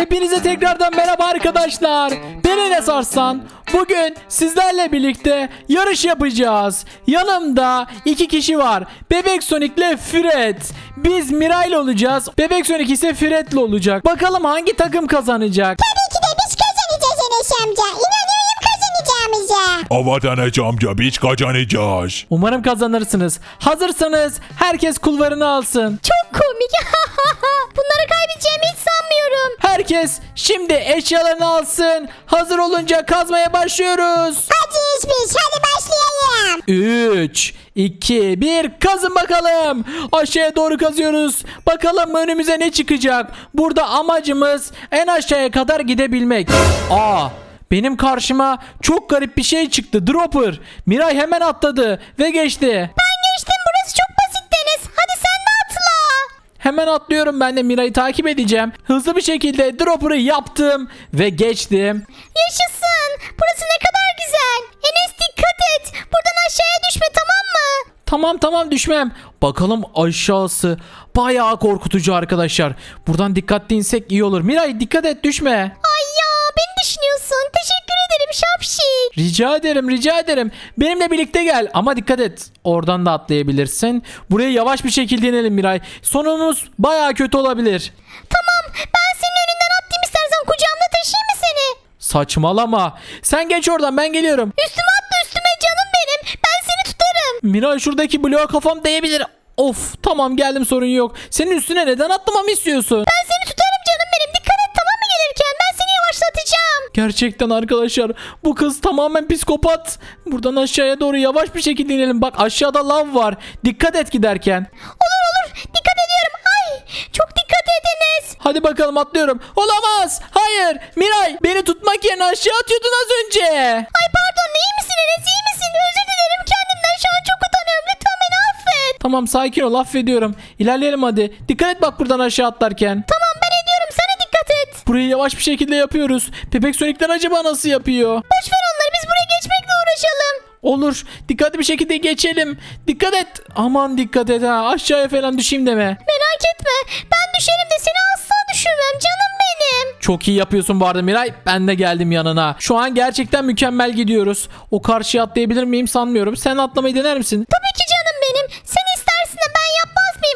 Hepinize tekrardan merhaba arkadaşlar. Ben Enes Arslan. Bugün sizlerle birlikte yarış yapacağız. Yanımda iki kişi var. Bebek Sonic ile Fred. Biz Miray olacağız. Bebek Sonic ise Fred'le olacak. Bakalım hangi takım kazanacak? Tabii ki de biz kazanacağız Enes amca. İnanıyorum kazanacağımıza. Evet Enes amca biz kazanacağız. Umarım kazanırsınız. Hazırsanız herkes kulvarını alsın. Çok komik. Bunları kaybedeceğimi hiç sanmıyorum. Herkes şimdi eşyalarını alsın. Hazır olunca kazmaya başlıyoruz. Hadi biz hadi başlayalım. 3, 2, 1 kazın bakalım. Aşağıya doğru kazıyoruz. Bakalım önümüze ne çıkacak. Burada amacımız en aşağıya kadar gidebilmek. Benim karşıma çok garip bir şey çıktı. Dropper. Miray hemen atladı ve geçti. Ben geçtim, burası çok basit Deniz. Hadi sen de atla. Hemen atlıyorum, ben de Miray'ı takip edeceğim. Hızlı bir şekilde dropper'ı yaptım ve geçtim. Yaşasın. Burası ne kadar güzel. Enes dikkat et. Buradan aşağıya düşme, tamam mı? Tamam düşmem. Bakalım aşağısı bayağı korkutucu arkadaşlar. Buradan dikkatli insek iyi olur. Miray dikkat et, düşme. Ay ya, beni düşünüyorsun. Teşekkür ederim şapşik. Rica ederim. Benimle birlikte gel ama dikkat et. Oradan da atlayabilirsin. Buraya yavaş bir şekilde inelim Miray. Sonumuz bayağı kötü olabilir. Tamam, ben senin önünden atlayayım, istersen kucağımda taşıyayım mı seni? Saçmalama. Sen geç oradan, ben geliyorum. Üstüme atla, üstüme canım benim. Ben seni tutarım. Miray şuradaki bloğa kafam değebilir. Of, tamam geldim, sorun yok. Senin üstüne neden atlamamı istiyorsun? Ben seni tutarım canım benim. Dikkat et, tamam mı gelirken? Ben seni yavaşlatacağım. Gerçekten arkadaşlar bu kız tamamen psikopat. Buradan aşağıya doğru yavaş bir şekilde inelim. Bak aşağıda lav var. Dikkat et giderken. Olur. Dikkat ediyorum. Ay, çok dikkat et Enes. Hadi bakalım, atlıyorum. Olamaz. Hayır. Miray beni tutmak yerine aşağı atıyordun az önce. Ay pardon, iyi misin Enes? İyi misin? Özür dilerim kendimden. Şu an çok utanıyorum. Lütfen beni affet. Tamam, sakin ol, affediyorum. İlerleyelim hadi. Dikkat et bak buradan aşağı atlarken. Tamam, ben ediyorum. Sen de dikkat et. Burayı yavaş bir şekilde yapıyoruz. Bebek Sonic'ler acaba nasıl yapıyor? Boş ver onları. Biz buraya geçmekle uğraşalım. Olur. Dikkatli bir şekilde geçelim. Dikkat et. Aman dikkat et ha. Aşağıya falan düşeyim deme. Merak etme. Ben düşerim de seni asla düşürmem. Canım benim. Çok iyi yapıyorsun bu arada Miray. Ben de geldim yanına. Şu an gerçekten mükemmel gidiyoruz. O karşıya atlayabilir miyim sanmıyorum. Sen atlamayı dener misin? Tabii ki canım benim. Sen istersin de ben yapmaz mıyım?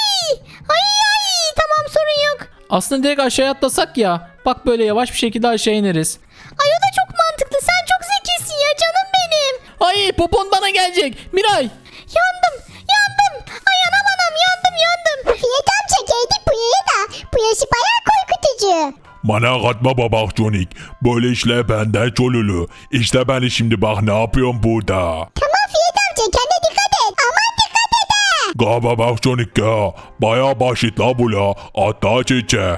Ay. Tamam, sorun yok. Aslında direkt aşağıya atlasak ya. Bak böyle yavaş bir şekilde aşağı ineriz. Ay, o da çok mantıklı. Sen çok zekisin ya canım benim. Ay, popon bana gelecek. Miray. Yandım. Ay anam yandım. Fiyat amca geldik buraya da. Bu yaşı bayağı korkutucu. Bana katma babak Sonic. Böyle işler benden çolulu. İşte ben şimdi bak ne yapıyorum burada. Tamam Fiyat amca, kendine dikkat et. Aman dikkat et ha. Ga babak Sonic ya. Baya basit la bu la. Hatta çiçe.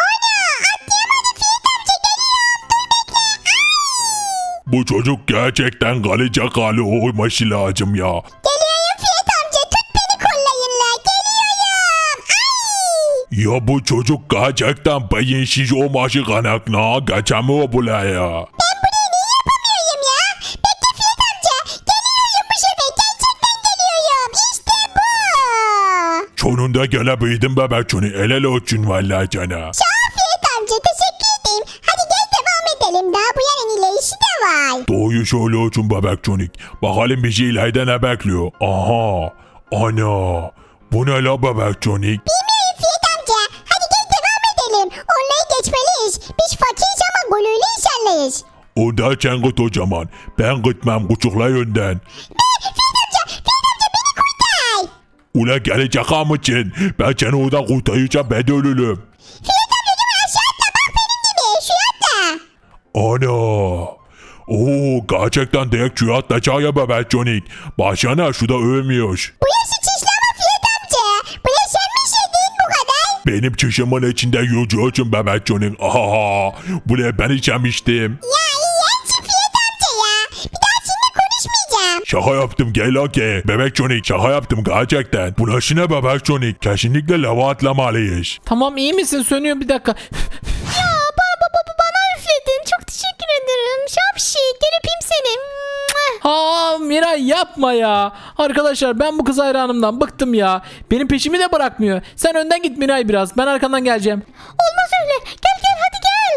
Bu çocuk gerçekten kalacak hali olması lazım ya. Geliyorum Fiyat amca, tut beni kollayınla. Geliyorum. Ay. Ya bu çocuk gerçekten beyinsiz olması kaynaklı geçemiyor buraya. Ben burayı niye yapamıyorum ya? Bekle Fiyat amca. Geliyorum bu sefer. Gerçekten geliyorum. İşte bu. Sonunda gelebildim bebek Sonic. El ele olsun vallahi cana. Sağ ol Fiyat amca. Teşekkür ederim. Hadi gel devam edelim. Daha bu yarın ilerisi de var. Doğuyu söylüyorsun bebek Sonic. Bakalım bizi ileride ne bekliyor. Aha. Ana. Bu ne la bebek Sonic? Bilmiyorum Fiyat amca. Hadi gel devam edelim. Onları geçmeliyiz. Biz fakiriz ama gururlu insanlarız. O da sen git o zaman. Ben gitmem küçükler yönden. Fiyat amca beni kurtar. Ula gelecek mısın? Ben seni orada kurtaracağım, ben de ölürüm. Fiyat amcacığım aşağı atla, bak benim gibi. Şu atla. Ana. Oo, gerçekten direkt şu atlayacak ya bebek Sonic. Başına şu da ölmüyor. Bu yaşı çişleme Fiyat amca. Bu yaş sen mi işledin bu kadar? Benim çişimin içinde yüzüyorsun bebek Sonic. Aha. Bu ne ben içemiştim. Ya iğrençsin Fiyat amca ya. Bir daha seninle konuşmayacağım. Şaka yaptım gel okey. Bebek Sonic şaka yaptım gerçekten. Bu nasıl ne bebek Sonic? Kesinlikle lava atlamalıyız. Tamam, iyi misin? Sönüyor, bir dakika. Ya bana üfledin. Çok teşekkür ederim. Şapşik, gel öpeyim seni. Ha Miray, yapma ya. Arkadaşlar ben bu kız hayranımdan bıktım ya. Benim peşimi de bırakmıyor. Sen önden git Miray biraz. Ben arkandan geleceğim. Olmaz öyle. Gel hadi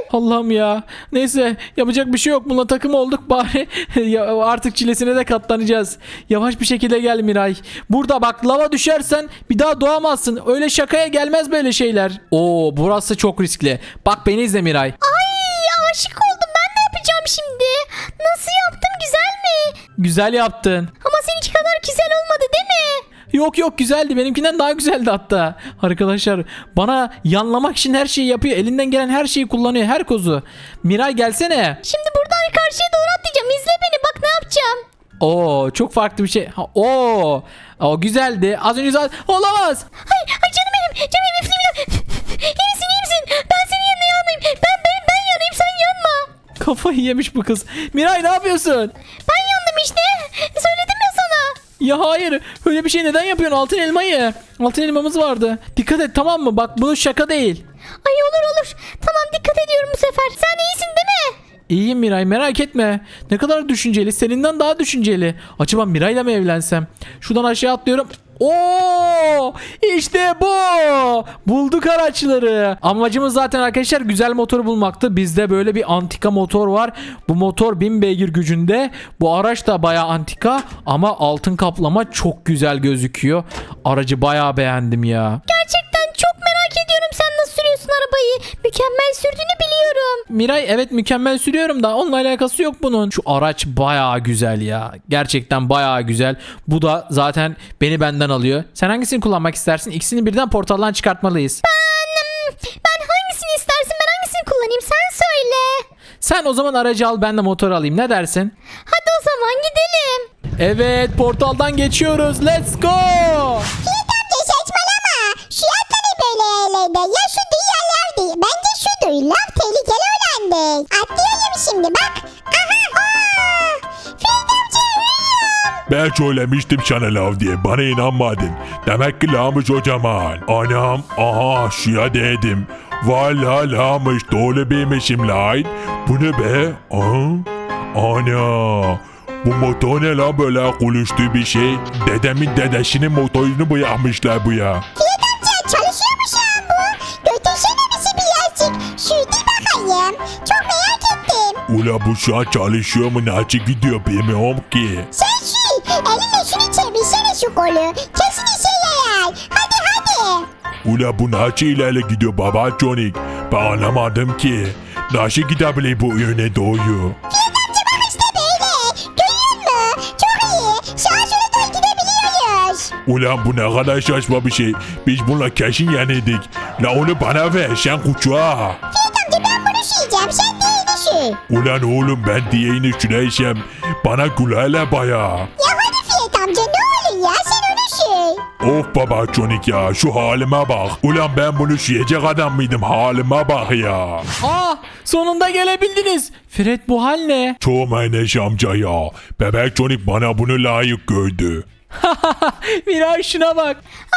Allah'ım ya. Neyse yapacak bir şey yok. Bununla takım olduk bari. Ya, artık çilesine de katlanacağız. Yavaş bir şekilde gel Miray. Burada bak lava düşersen bir daha doğamazsın. Öyle şakaya gelmez böyle şeyler. Oo burası çok riskli. Bak beni izle Miray. Ay aşık oldum. Ben ne yapacağım şimdi? Nasıl yaptım? Güzel mi? Güzel yaptın. Ama seninki kadar güzel olmadı değil mi? Yok güzeldi. Benimkinden daha güzeldi hatta. Arkadaşlar bana yanlamak için her şeyi yapıyor. Elinden gelen her şeyi kullanıyor. Her kozu. Miray gelsene. Şimdi buradan karşıya doğru atlayacağım. İzle beni. Bak ne yapacağım. Oo çok farklı bir şey. O güzeldi. Az önce zaten olamaz. Ay canım benim. Canım benim. Üfleyeyim. İyi misin? Ben senin yanına yanayım. Ben yanayım. Sen yanma. Kafayı yemiş bu kız. Miray ne yapıyorsun? Ben yandım işte. Söyledim ya sana. Ya hayır. Öyle bir şey neden yapıyorsun? Altın elmayı. Altın elmamız vardı. Dikkat et tamam mı? Bak bu şaka değil. Ay olur. Tamam dikkat ediyorum bu sefer. Sen iyisin değil mi? İyiyim Miray merak etme. Ne kadar düşünceli. Seninden daha düşünceli. Acaba Miray'la mı evlensem? Şuradan aşağı atlıyorum. Oo! İşte bu. Bulduk araçları. Amacımız zaten arkadaşlar güzel motor bulmaktı. Bizde böyle bir antika motor var. Bu motor 1000 beygir gücünde. Bu araç da bayağı antika ama altın kaplama çok güzel gözüküyor. Aracı bayağı beğendim ya. Gerçekten çok merak ediyorum sen nasıl sürüyorsun arabayı. Mükemmel sürdüğünü biliyorum. Miray evet mükemmel sürüyorum da onunla alakası yok bunun. Şu araç bayağı güzel ya. Gerçekten bayağı güzel. Bu da zaten beni benden alıyor. Sen hangisini kullanmak istersin? İkisini birden portaldan çıkartmalıyız. Ben hangisini istersin ben hangisini kullanayım sen söyle. Sen o zaman aracı al ben de motor alayım. Ne dersin? Hadi o zaman gidelim. Evet portaldan geçiyoruz. Let's go. Fiyat amca saçmalama. Şu atları böyle yerlerde. Ya şu dünyalar değil. Bence şudur. Laf tehlikeli olandır. Atlıyorum şimdi bak. Aha. Fiyat amca ölüyorum. Ben söylemiştim sana lav diye bana inanmadın. Demek ki lağmış o zaman. Anam aha şuya dedim. Valla lağmış doğru bilmişim lan. Bu ne be? Ana. Bu motor ne lan böyle konuştuğu bir şey? Dedemin dedesinin motorunu bırakmışlar bu ya. Fiyat amca çalışıyor mu şu an bu? Götürsene bizi bir yercik. Şurada bakayım. Çok merak ettim. Ula bu şu an çalışıyor mu nasıl gidiyor bilmiyorum ki. Sen şu elinle şunu çevirsene şu kolu. Kesin işe yarar. Hadi. Ula bu nasıl ilerle gidiyor baba Jonik? Ben anlamadım ki. Nasıl gidebilir bu yöne doğru? Fiyat amca bak işte böyle. Görüyor musun? Çok iyi. Sağa sola doğru gidebiliyoruz. Ulan bu ne kadar saçma bir şey. Biz bununla kesin yenildik. La onu bana ver sen kuçuğa. Fiyat amca ben bunu süreceğim. Sen diğerini sür. Ulan oğlum ben diyeğini süreysem bana gülerler baya. Ya hadi Fiyat amca ne olur ya sen onu sür. Of baba Çonik ya şu halime bak. Ulan ben bunu sürecek adam mıydım halime bak ya. Sonunda gelebildiniz. Fred bu hal ne? Çoğum Enes amca ya. Bebek Çonik bana bunu layık gördü. Miray şuna bak.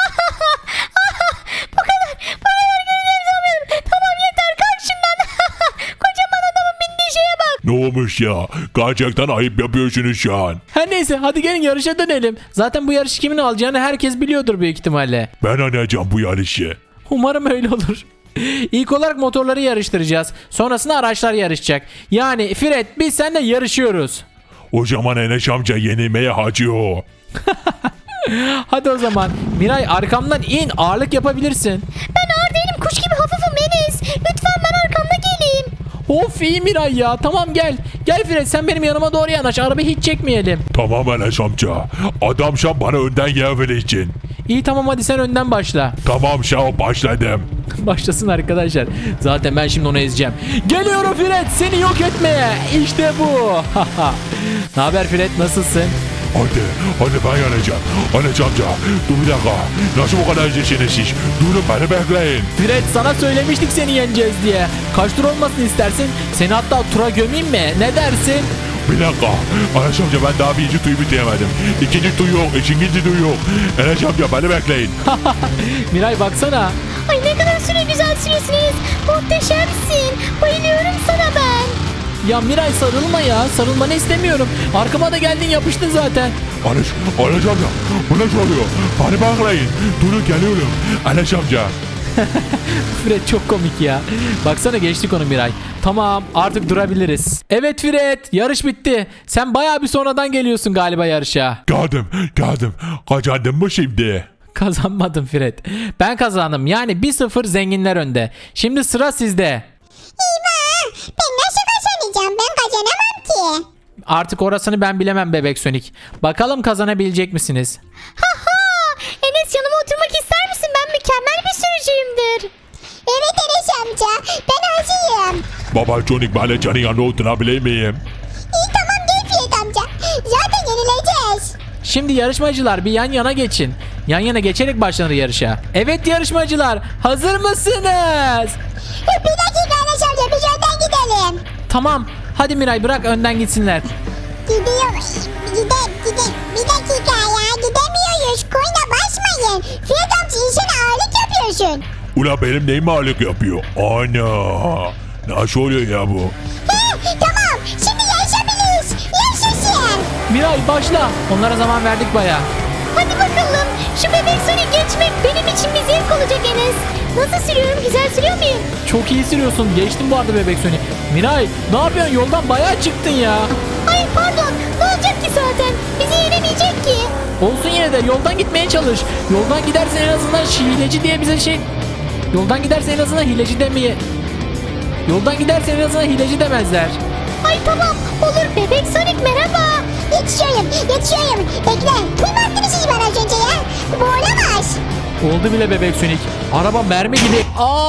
Bana göreceğim sanmıyorum. Tamam yeter kalk şundan. Kocaman adamın bindiği şeye bak. Ne olmuş ya? Gerçekten ayıp yapıyorsunuz şu an. Her neyse hadi gelin yarışa dönelim. Zaten bu yarışı kimin alacağını herkes biliyordur büyük ihtimalle. Ben alacağım bu yarışı. Umarım öyle olur. İlk olarak motorları yarıştıracağız. Sonrasında araçlar yarışacak. Yani Fred biz seninle yarışıyoruz. O zaman Enes amca yenilmeye hacıyor. Hadi o zaman. Miray arkamdan in ağırlık yapabilirsin. Ben ağır değilim kuş gibi hafifim Enes. Lütfen ben arkanda geleyim. Of iyi Miray ya tamam gel. Gel Fred sen benim yanıma doğru yanaş. Arabayı hiç çekmeyelim. Tamam Enes amca. Adam sen bana önden yer vereceksin. İyi tamam hadi sen önden başla. Tamam şah başladım. Başlasın arkadaşlar. Zaten ben şimdi onu ezeceğim. Geliyorum Fred seni yok etmeye. İşte bu. Ne haber Fred nasılsın? Hadi ben yanacağım. Enes amca dur bir dakika. Nasıl bu kadar zesiniz siz? Durun beni bekleyin. Fred sana söylemiştik seni yeneceğiz diye. Kaç tur olmasını istersin? Seni hatta tura gömeyim mi? Ne dersin? Bir dakika. Enes amca ben daha birinci tuyu bitiremedim. İkinci tuy yok. Üçüncü tuy yok. Enes amca beni bekleyin. Miray baksana. Ay ne kadar süre güzel sürüyorsun Enes. Muhteşemsin. Bayılıyorum sana ben. Ya Miray sarılma ya. Sarılmanı istemiyorum. Arkama da geldin yapıştın zaten. Enes amca bu ne oluyor? Beni bekleyin. Durun geliyorum. Enes amca. Fred çok komik ya. Baksana geçtik onu Miray. Tamam artık durabiliriz. Evet Fred yarış bitti. Sen bayağı bir sonradan geliyorsun galiba yarışa. Geldim. Kazandın mı şimdi? Kazanmadım Fred. Ben kazandım. Yani 1-0 zenginler önde. Şimdi sıra sizde. Eyvah. Ben nasıl kazanacağım? Ben kazanamam ki. Artık orasını ben bilemem Bebek Sonic. Bakalım kazanabilecek misiniz? Haha. Enes yanıma oturmak ister misin? Ben mükemmel bir sürücüyümdür. Evet Enes amca. Ben hazırım. Baba Sonic bana canın yanına oturabilir miyim? İyi tamam gel Fiyat amca. Zaten yenileceğiz. Şimdi yarışmacılar bir yan yana geçin. Yan yana geçerek başlanır yarışa. Evet yarışmacılar hazır mısınız? Bir dakika Enes amca biz önden gidelim. Tamam. Hadi Miray bırak önden gitsinler. Gidiyorum. Gidem. Bir dakika ya gidemiyoruz. Koyuna basmayın. Fiyat amca insana ağırlık yapıyorsun. Ula benim neyim ağırlık yapıyor? Ana. Nasıl oluyor ya bu? He tamam şimdi yaşayabiliriz. Yaşasın. Miray başla. Onlara zaman verdik baya. Hadi bakalım. Şu bebek Sonic geçmek benim için bir zevk olacak Enes. Nasıl sürüyorum? Güzel sürüyor muyum? Çok iyi sürüyorsun. Geçtim bu arada Bebek Sonic. Miray ne yapıyorsun? Yoldan bayağı çıktın ya. Ay pardon. Ne olacak ki zaten? Bizi yenemeyecek ki. Olsun yine de yoldan gitmeye çalış. Yoldan gidersen en azından hileci diye bize şey... Yoldan gidersen en azından hileci demeye... Yoldan gidersen en azından hileci demezler. Ay tamam. Olur bebek Sonic merhaba. Yetişiyorum. Bekle. Duymadınız siz bana az önce ya. Bu olamaz. Oldu bile Bebek Sonic. Araba mermi gibi.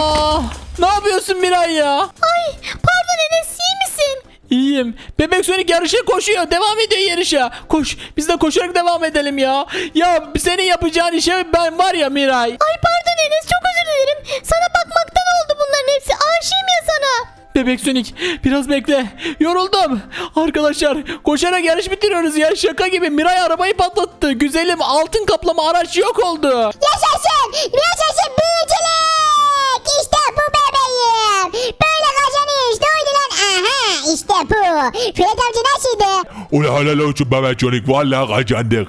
Ne yapıyorsun Miray ya? Ay pardon Enes iyi misin? İyiyim. Bebek Sonic yarışa koşuyor. Devam ediyor yarışa. Koş. Biz de koşarak devam edelim ya. Ya senin yapacağın işe ben var ya Miray. Ay pardon Enes çok özür dilerim. Sana bakmaktan oldu bunların hepsi. Aşığım ya sana. Bebek Sonic biraz bekle. Yoruldum. Arkadaşlar koşarak yarış bitiriyoruz ya. Şaka gibi Miray arabayı patlattı. Güzelim altın kaplama araç yok oldu. Yaşasın büyücülük. İşte bu bebeğim. Böyle kazanıyoruz. Doydu lan. Aha işte bu. Fiyat amca nasıldı? Ula helal olsun baba Sonic. Vallahi kazandık.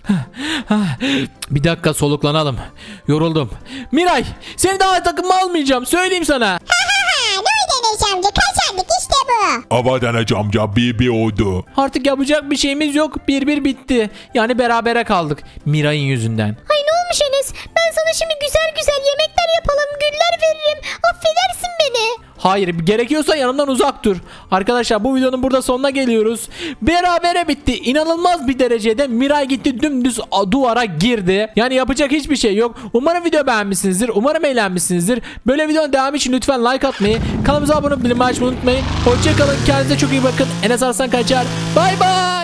Bir dakika soluklanalım. Yoruldum. Miray seni daha takıma almayacağım. Söyleyeyim sana. Ha ne oldu Enes amca? Kazandık işte bu. Avadan amca bir oldu. Artık yapacak bir şeyimiz yok. 1-1 bitti. Yani berabere kaldık. Miray'ın yüzünden. Ay ne olmuş Enes? Ben sana şimdi güzel güzel yemekler yapalım. Güller veririm. Affedersin beni. Hayır gerekiyorsa yanımdan uzak dur. Arkadaşlar bu videonun burada sonuna geliyoruz. Berabere bitti. İnanılmaz bir derecede Miray gitti dümdüz duvara girdi. Yani yapacak hiçbir şey yok. Umarım video beğenmişsinizdir. Umarım eğlenmişsinizdir. Böyle videonun devamı için lütfen like atmayı, kanalımıza abone olmayı, bildirim açmayı unutmayın. Hoşçakalın. Kendinize çok iyi bakın. Enes Arslan Kaçar. Bay bay.